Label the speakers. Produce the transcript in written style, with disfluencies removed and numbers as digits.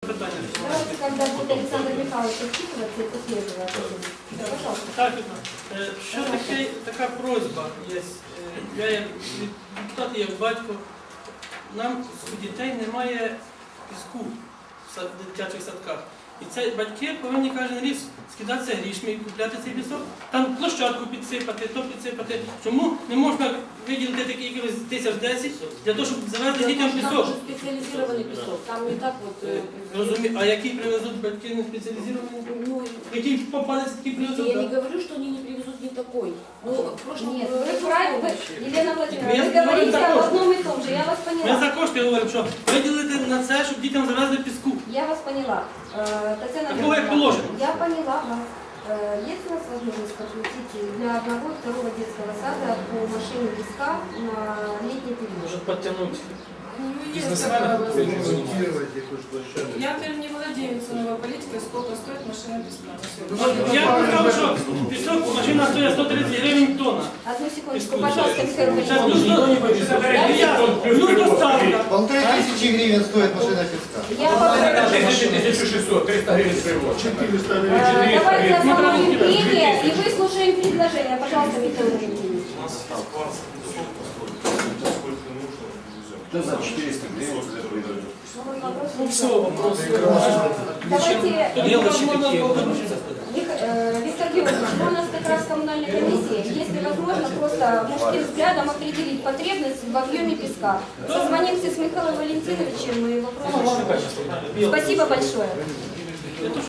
Speaker 1: питання.
Speaker 2: Давайте, когда будет Александр Михайлович отчитываться, это следует ответить. Пожалуйста.
Speaker 1: Так, що така просьба є. Я як депутат, як батько, нам у дітей немає піску в дитячих садках. І це батьки повинні кожен рік скидатися грішми і купляти цей пісок, там площадку підсипати, то підсипати. Чому не можна виділити такі якихось 1010 для того, щоб завезти дітям пісок?
Speaker 3: Там уже специализированный песок, там не так вот...
Speaker 1: Розумію, а який привезуть батьки не спеціалізовані?
Speaker 3: Ну,
Speaker 1: Який попадеться, такий привезуть?
Speaker 3: я не говорю, что они не привезут не такой. Ну, в прошлом...
Speaker 2: Нет, вы правильно, Елена Владимировна,
Speaker 1: Я
Speaker 2: вы говорите
Speaker 1: говорю,
Speaker 2: об одном и том же, я вас
Speaker 1: Ми
Speaker 2: поняла.
Speaker 1: за кошти говоримо, що виділити на це, щоб дітям завезли піску.
Speaker 2: Я вас поняла. Татьяна
Speaker 1: Такого, как
Speaker 2: Леонидовна,
Speaker 1: положено.
Speaker 2: я поняла вас. Есть у нас возможность подключить для одного и второго детского сада по машине песка на летний период?
Speaker 4: Может подтянуть
Speaker 5: Ну, есть
Speaker 4: бизнесменов?
Speaker 5: такая возможность.
Speaker 6: Ремонтировать якусь площадку.
Speaker 5: Я теперь не владею ценовой политикой, сколько стоит машина песка на сегодня.
Speaker 1: Я сказав, що пісок машина стоїть 130 гривень тонна.
Speaker 2: Одну секундочку, пожалуйста, Михаил
Speaker 1: Зараз
Speaker 2: Владимирович.
Speaker 1: ну доставка.
Speaker 6: 1500 гривен стоит машина песка.
Speaker 2: Я попрошу.
Speaker 4: 1600, 300 гривен привод.
Speaker 6: 400
Speaker 2: Давайте остановим прения и выслушаем предложение. Пожалуйста, Михаил Владимирович.
Speaker 7: Да, за 400 гривен выдают.
Speaker 4: Ну все, вопросы.
Speaker 2: Давайте,
Speaker 1: Мелочі такі.
Speaker 2: Виктор Георгиевич, у нас как раз коммунальная комиссия, если возможно, просто мужским взглядом определить потребность в объеме песка. Созвонимся с Михаилом Валентиновичем и вопрос. Спасибо большое.